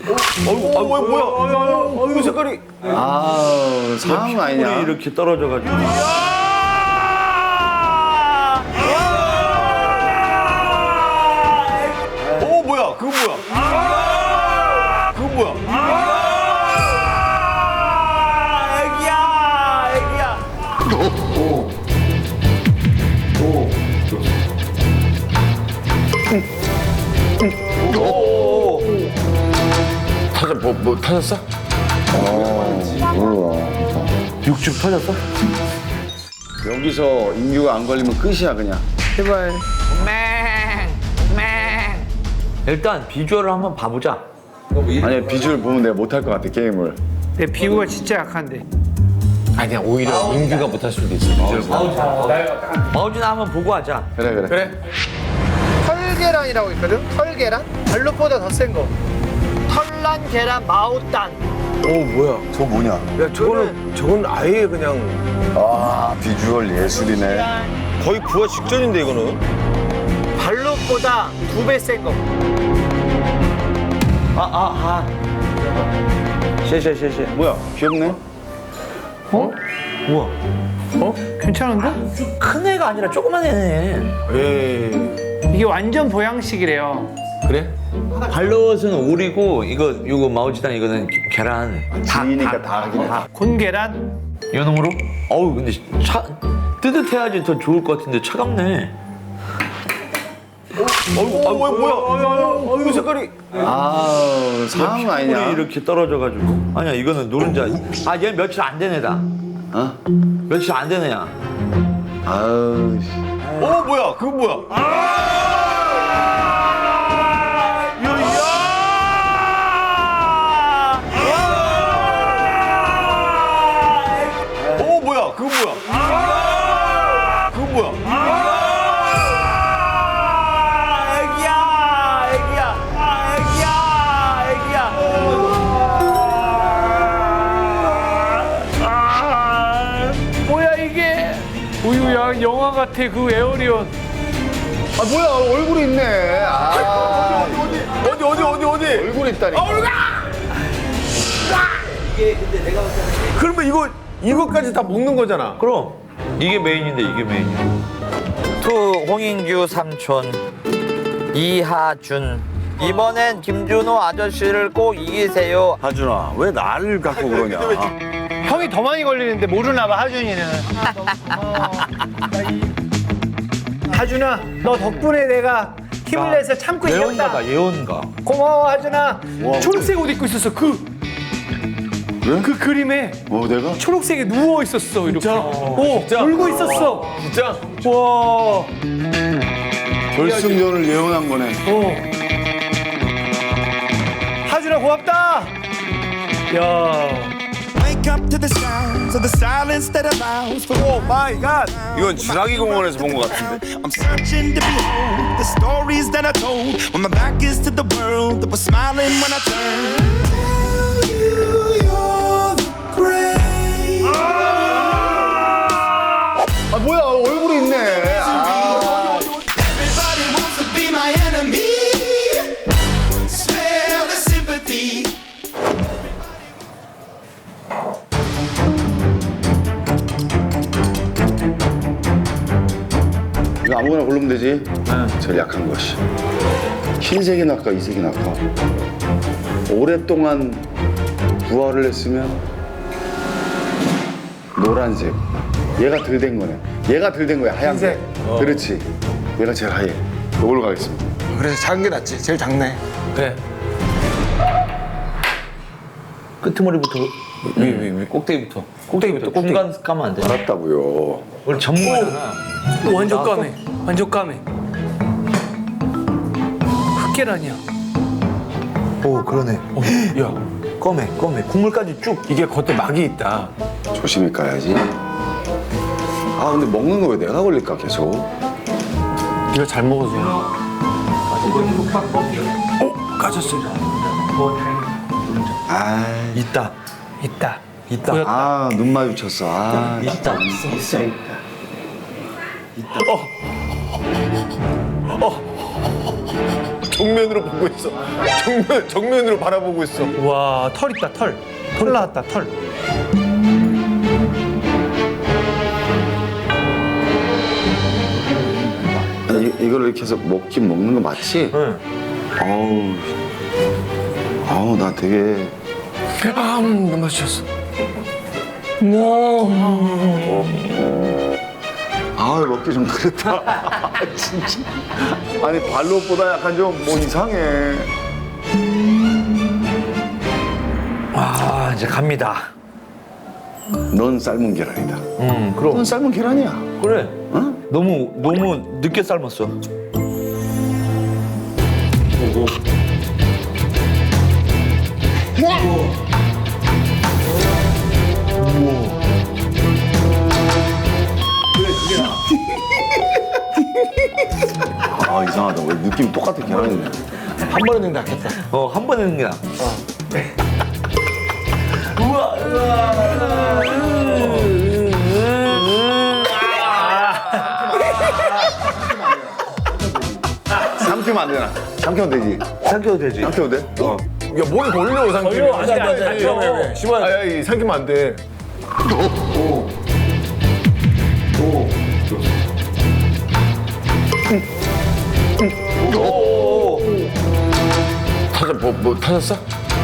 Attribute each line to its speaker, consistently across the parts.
Speaker 1: 뭐야? 이거 색깔이.
Speaker 2: 아우, 상황 아니냐?
Speaker 1: 이렇게 떨어져가지고. 뭐야? 그거 뭐야? 그거 뭐야? 애기야.
Speaker 2: 뭐 터졌어? 몰라.
Speaker 1: 육즙 터졌어?
Speaker 2: 여기서 인규가 안 걸리면 끝이야, 그냥.
Speaker 3: 제발.
Speaker 1: 일단 비주얼을 한번 봐보자.
Speaker 2: 아니, 비주얼 보면 내가 못할 것 같아, 게임을.
Speaker 3: 내 비구가 진짜 약한데.
Speaker 4: 아니 그냥 오히려 인규가 못할 수도 있어.
Speaker 1: 마우진아 한번 보고 하자.
Speaker 2: 그래.
Speaker 3: 털계란이라고 있거든? 털계란? 발로보다 더 센 거. 털난 계란 마오딴.
Speaker 4: 뭐야?
Speaker 2: 저거 뭐냐?
Speaker 4: 야 저건 아예 그냥
Speaker 2: 아, 비주얼 예술이네.
Speaker 1: 거의 부화 직전인데 이거는.
Speaker 3: 발로보다 2배 센 거.
Speaker 1: 쉐.
Speaker 2: 뭐야, 귀엽네?
Speaker 1: 우와.
Speaker 3: 괜찮은데?
Speaker 1: 큰 애가 아니라 조그만 애네.
Speaker 4: 에이
Speaker 3: 이게 완전 보양식이래요.
Speaker 4: 그래?
Speaker 1: 발롯은 오리고 이거 마우지단 이거는 계란.
Speaker 2: 지니까 다 하긴 해.
Speaker 3: 곤계란?
Speaker 1: 연홍으로? 어우 근데 뜨뜻해야지 더 좋을 것 같은데 차갑네. 뭐야? 이거 색깔이.
Speaker 2: 아우, 상황 아니냐?
Speaker 1: 이렇게 떨어져가지고. 아니야 이거는 노른자. 얘 며칠 안 된 애다.
Speaker 2: 어?
Speaker 1: 며칠 안 된 애야.
Speaker 2: 아우, 씨.
Speaker 1: 뭐야? 그거 뭐야? 뭐야? 그거 뭐야? 그거 뭐야?
Speaker 3: 뭐야 이게? 우유야 영화 같아 그 에어리온.
Speaker 2: 아, 뭐야, 얼굴이 있네. 아,
Speaker 1: 어디?
Speaker 2: 얼굴이 있다니까.
Speaker 4: 그러면 이거까지 다 먹는 거잖아.
Speaker 1: 그럼 이게 메인인데 이게 메인이야. 투 홍인규 삼촌 이하준 이번엔 김준호 아저씨를 꼭 이기세요.
Speaker 2: 하준아, 왜 나를 갖고 그러냐?
Speaker 3: 형이 더 많이 걸리는데 모르나 봐 하준이는. 하준아 너 덕분에 내가 힘을 내서 참고 이겼다.
Speaker 1: 예언가다 예언가.
Speaker 3: 고마워 하준아. 초록색 옷 입고 있었어
Speaker 2: 왜?
Speaker 3: 그 그림에
Speaker 2: 내가?
Speaker 3: 초록색에 누워 있었어 이렇게.
Speaker 4: 진짜?
Speaker 3: 울고 있었어.
Speaker 4: 진짜?
Speaker 3: 와.
Speaker 2: 결승전을 예언한 거네.
Speaker 3: 하준아 고맙다. 야.
Speaker 5: Wake up to the sounds of the silence that allows for
Speaker 2: 오 마이 갓! 이건 주라기 공원에서 본 것 같은데.
Speaker 5: I'm searching to behold the stories that I told when my back is to the world that was smiling when I turned. Tell you you're the great.
Speaker 2: 아, 뭐야, 얼굴이 있네. 아.
Speaker 5: Everybody wants to be my enemy. Smell the sympathy.
Speaker 2: 이거 아무거나 고르면 되지? 제일 약한 것이. 흰색이 낫까, 이색이 낫까? 오랫동안 부화를 했으면 노란색. 얘가 덜 된 거네. 얘가 덜 된 거야, 하얀색. 그렇지. 얘가 제일 하얘. 이걸로 가겠습니다.
Speaker 4: 그래서 작은 게 낫지. 제일 작네. 그래.
Speaker 1: 끄트머리부터
Speaker 4: 위 꼭대기부터. 꼭대기부터.
Speaker 1: 중간 까면 안 돼.
Speaker 2: 알았다고요.
Speaker 1: 우리 전문가잖아.
Speaker 3: 완전 까매. 완전 까매. 흑계란이야.
Speaker 1: 오 그러네.
Speaker 4: 야
Speaker 1: 검해. 국물까지 쭉.
Speaker 4: 이게 겉에 막이 있다.
Speaker 2: 조심히 까야지. 아, 근데 먹는 거 왜 내가 걸릴까, 계속?
Speaker 4: 네가 잘 먹어서. 까졌어.
Speaker 2: 아,
Speaker 1: 있다.
Speaker 2: 아, 눈 마주쳤어. 아,
Speaker 1: 있다.
Speaker 4: 정면으로 보고 있어. 정면으로 바라보고 있어.
Speaker 6: 와, 털 있다, 털. 털 나왔다, 털.
Speaker 2: 아니, 이거를 이렇게 해서 먹긴 먹는 거 맞지?
Speaker 4: 응.
Speaker 2: 아우 나 되게
Speaker 4: 너무 맛있었어.
Speaker 2: 아 먹기 좀 그랬다. 진짜. 아니 발로보다 약간 좀 뭐 이상해.
Speaker 1: 아, 이제 갑니다.
Speaker 2: 넌 삶은 계란이다.
Speaker 1: 그럼.
Speaker 2: 넌 삶은 계란이야.
Speaker 1: 그래.
Speaker 2: 응?
Speaker 1: 너무 늦게 삶았어.
Speaker 2: 아 이상하다. 왜 느낌 똑같아 계란이네.
Speaker 4: 한 번에 넣는 게 낫겠다.
Speaker 1: 한 번에 넣는 게 나아.
Speaker 2: 삼키면 안 되나? 삼키면 되지.
Speaker 1: 삼켜도 되지.
Speaker 2: 삼켜도 돼?
Speaker 4: 야, 뭘 걸려, 삼키면.
Speaker 6: 걸려, 안 돼.
Speaker 4: 왜? 심한. 아니, 삼키면 안 돼. 뭐 타셨어?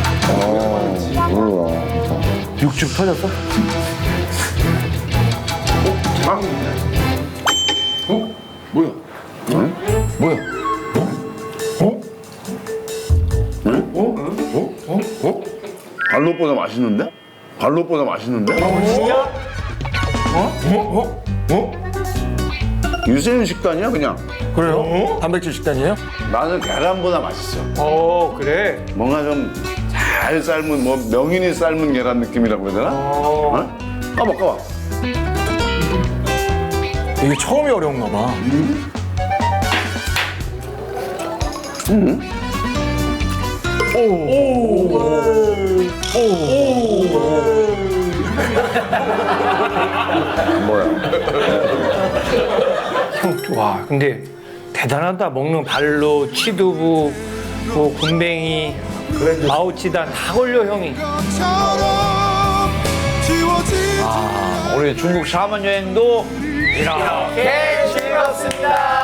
Speaker 2: 몰라.
Speaker 1: 육즙 터졌어?
Speaker 2: 뭐야?
Speaker 4: 뭐야?
Speaker 2: 발로보다 맛있는데? 발로보다 맛있는데? 유세윤 식단이야 그냥.
Speaker 4: 그래요? 단백질 식단이에요?
Speaker 2: 나는 계란보다 맛있어.
Speaker 3: 그래.
Speaker 2: 뭔가 좀 잘 삶은 뭐 명인이 삶은 계란 느낌이라고 해야 되나? 어? 까봐.
Speaker 4: 이게 처음이 어려운가 봐.
Speaker 2: 뭐야?
Speaker 6: 형, 와, 근데 대단하다. 먹는 발로, 치두부, 뭐 군뱅이, 마오치단 다 걸려, 형이.
Speaker 1: 우리 중국 샤먼 여행도 이렇게 즐겁습니다.